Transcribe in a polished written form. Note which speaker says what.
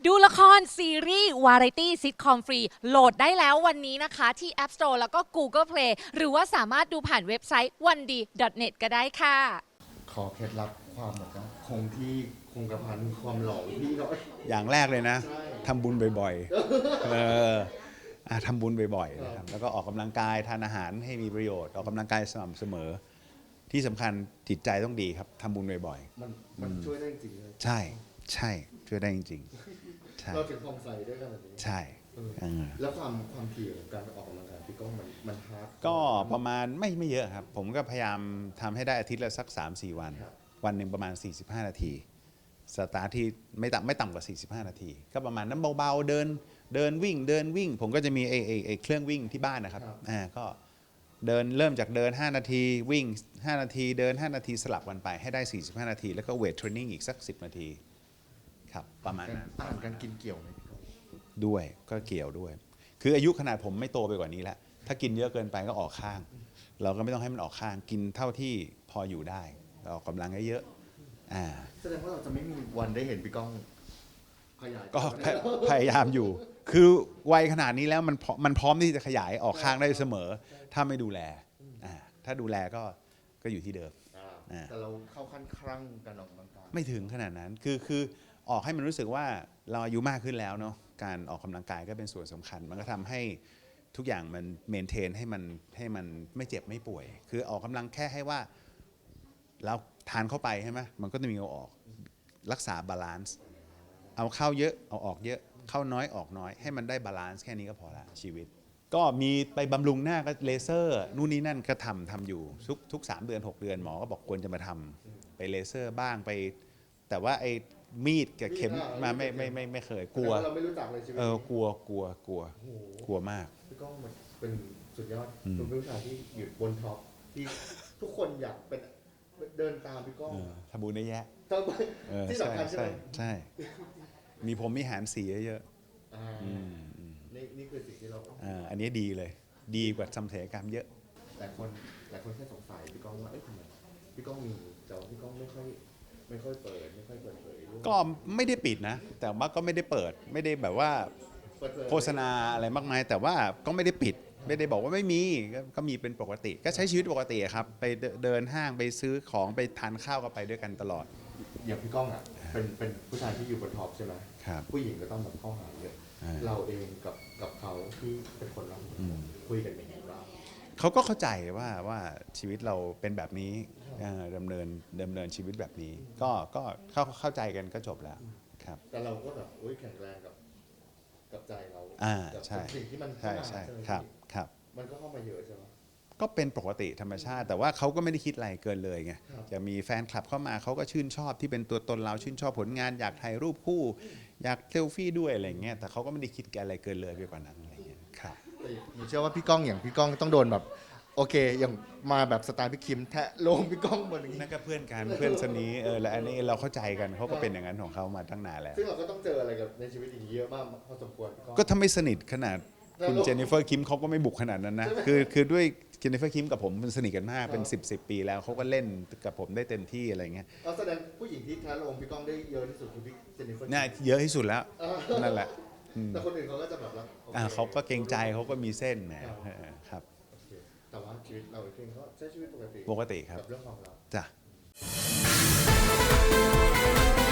Speaker 1: ดูละครซีรีส์วาไรตี้ซิทคอมฟรีโหลดได้แล้ววันนี้นะคะที่ App Store แล้วก็ Google Play หรือว่าสามารถดูผ่านเว็บไซต์ 1d.net ก็ได้ค่ะ
Speaker 2: ขอเคล็ดลับความแบบว่าคงที่คงกระพันความหล่อพี่เขา
Speaker 3: อย่างแรกเลยนะทำบุญบ่อยๆทำบุญบ่อยๆนะครับแล้วก็ออกกำลังกายทานอาหารให้มีประโยชน์ออกกำลังกายสม่ำเสมอที่สำคัญจิตใจต้องดีครับทำบุญบ่อย
Speaker 2: มันช่วยได้จริงเลย
Speaker 3: ๆใช่ช่วยได้จริงๆใช่
Speaker 2: เราถึงความใส่ด้วยกันแบบนี้
Speaker 3: ใช่
Speaker 2: แล้วความถี่ของการออกกำลังกายพี่ก้องมันฮาร์ด
Speaker 3: ก็ประมาณไม่เยอะครับผมก็พยายามทำให้ได้อาทิตย์ละสัก 3-4 วันวันหนึ่งประมาณ45นาทีสตาร์ทที่ไม่ต่ำกว่า45นาทีก็ประมาณนั้นเบาๆเดินวิ่งผมก็จะมีไอ้เครื่องวิ่งที่บ้านนะครับก็เริ่มจากเดิน5นาทีวิ่ง5นาทีเดิน5นาทีสลับกันไปให้ได้45นาทีแล้วก็เวทเทรนนิ่งอีกสัก10นาทีครับประมาณนั้น
Speaker 2: อาหารการกินเกี่ยวไหม
Speaker 3: ด้วยก็เกี่ยวด้วยคืออายุขนาดผมไม่โตไปกว่านี้แล้วถ้ากินเยอะเกินไปก็ออกข้างเราก็ไม่ต้องให้มันออกข้างกินเท่าที่พออยู่ได้ออกกำลังเยอะ
Speaker 2: แสดงว่าเราจะไม่มีวันได้เห็นพี่ก้องขยาย
Speaker 3: ก็พยายามอยู่คือวัยขนาดนี้แล้วมันพร้อมที่จะขยายออกข้างได้เสมอถ้าไม่ดูแลถ้าดูแลก็อยู่ที่เดิม
Speaker 2: แต่เราเข้าขั้นครั่งการออกกำลังกาย
Speaker 3: ไม่ถึงขนาดนั้นคือออกให้มันรู้สึกว่าเราอายุมากขึ้นแล้วเนาะการออกกำลังกายก็เป็นส่วนสำคัญมันก็ทำให้ทุกอย่างมันเมนเทนให้มันไม่เจ็บไม่ป่วยคือออกกำลังแค่ให้ว่าเราทานเข้าไปใช่ไหมมันก็จะมีเอาออกรักษาบาลานซ์เอาเข้าเยอะเอาออกเยอะเข้าน้อยออกน้อยให้มันได้บาลานซ์แค่นี้ก็พอละชีวิตก็มีไปบำรุงหน้าก็เลเซอร์นู่นนี่นั่นก็ทำอยู่ทุก3 เดือน 6 เดือนหมอก็บอกควรจะมาทำไปเลเซอร์บ้างไปแต่ว่าไอ้มีดกับเข็มมาไม่เคยกลัว
Speaker 2: เราไม่รู้จักเลยชีวิต
Speaker 3: กลัวมาก
Speaker 2: พี่ก้องมันเป็นสุดยอดเป็นผู้ชายที่อยู่บนท็อปที่ทุกคนอยากเป็นเดินตามพี่ก้อง
Speaker 3: ทำบุญได้แยะ
Speaker 2: ที่สำคัญใช่ไหม
Speaker 3: ใช่มีผมมีหารสีเยอะ
Speaker 2: นี่คือสิ่งที่เรา
Speaker 3: อันนี้ดีเลยดีกว่าทำศัลยกรรมเยอะ
Speaker 2: แต่คนแค่สงสัยพี่ก้องว่าทำไมพี่ก้องมีแต่พี่ก้องไม่ค่อยเปิดไม่ค่อยเปิดเผย
Speaker 3: ก็ไม่ได้ปิดนะแต่ว่าก็ไม่ได้เปิดไม่ได้แบบว่าโฆษณาอะไรมากมายแต่ว่าก็ไม่ได้ปิดไม่ได้บอกว่าไม่มีก็มีเป็นปกติก็ใช้ชีวิตปกติครับไปเดินห้างไปซื้อของไปทานข้าวก็ไปด้วยกันตลอด
Speaker 2: อย่างพี่ก้องอ่ะเป็นผู้ชายที่อยู่บนท็อปใช่ไหม
Speaker 3: ครับ
Speaker 2: ผู้หญิงก็ต้องแบบเข้าหาเยอะเราเองกับเขาที่เป็นคนรับคุยกันอย่างไรบ้าง
Speaker 3: เขาก็เข้าใจว่าชีวิตเราเป็นแบบนี้ดำเนินชีวิตแบบนี้ก็เข้าใจกันก็จบแล้วครับ
Speaker 2: แต่เราก็แบบแข็งแรงกับใจเรา
Speaker 3: ใช่
Speaker 2: สิ่งที่มัน
Speaker 3: ใช่ครับ
Speaker 2: มันก็เข้ามาเยอะใช่ไหม
Speaker 3: ก็เป็นปกติธรรมชาติแต่ว่าเขาก็ไม่ได้คิดอะไรเกินเลยไงจะมีแฟนคลับเข้ามาเขาก็ชื่นชอบที่เป็นตัวตนเราชื่นชอบผลงานอยากถ่ายรูปคู่อยากเซลฟี่ด้วยอะไรเงี้ยแต่เขาก็ไม่ได้คิดอะไรเกินเลยไปกว่านั้นอะไรเงี้ยครับ
Speaker 2: เชื่อว่าพี่ก้องต้องโดนแบบโอเคอย่างมาแบบสไตล์พี่คิมแทะลงพี่ก้องหมดอย่างนี้
Speaker 3: นั่นก็เพื่อนกันเพื่อนสนิทและอันนี้เราเข้าใจกันเขาก็เป็นอย่างนั้นของเขามาตั้งนานแล้ว
Speaker 2: ซึ่งเราก็ต้องเจออะไรกับในชีวิตอย่างนี้เยอะมากพอสมควร
Speaker 3: ก็ถ้าไม่สนิทขนาดคุณเจนนิเฟอร์คิมเขาก็ไม่บุกขนาดนั้นนะคือด้วยเจนนิเฟอร์คิมกับผมมันสนิทกันมากเป็น10 ปีแล้วเขาก็เล่นกับผมได้เต็มที่อะไรเงี้ย
Speaker 2: แสดงผู้หญิงที่แทะลงพี่ก้องได้เยอะที่สุดคือพี่เจนนิเฟอร์
Speaker 3: น่าเยอะที่สุดแล้วนั่นแหละ
Speaker 2: แต่คนอื่นเขาก็จะแบบ
Speaker 3: เขาก็เกรงใจเขาก็มีเส้นนะครับ
Speaker 2: แต่ว่าชีวิตเราเองก็ใช้ชีวิตปกติ
Speaker 3: ครับ
Speaker 2: กับเรื่องของเรา
Speaker 3: จ้ะ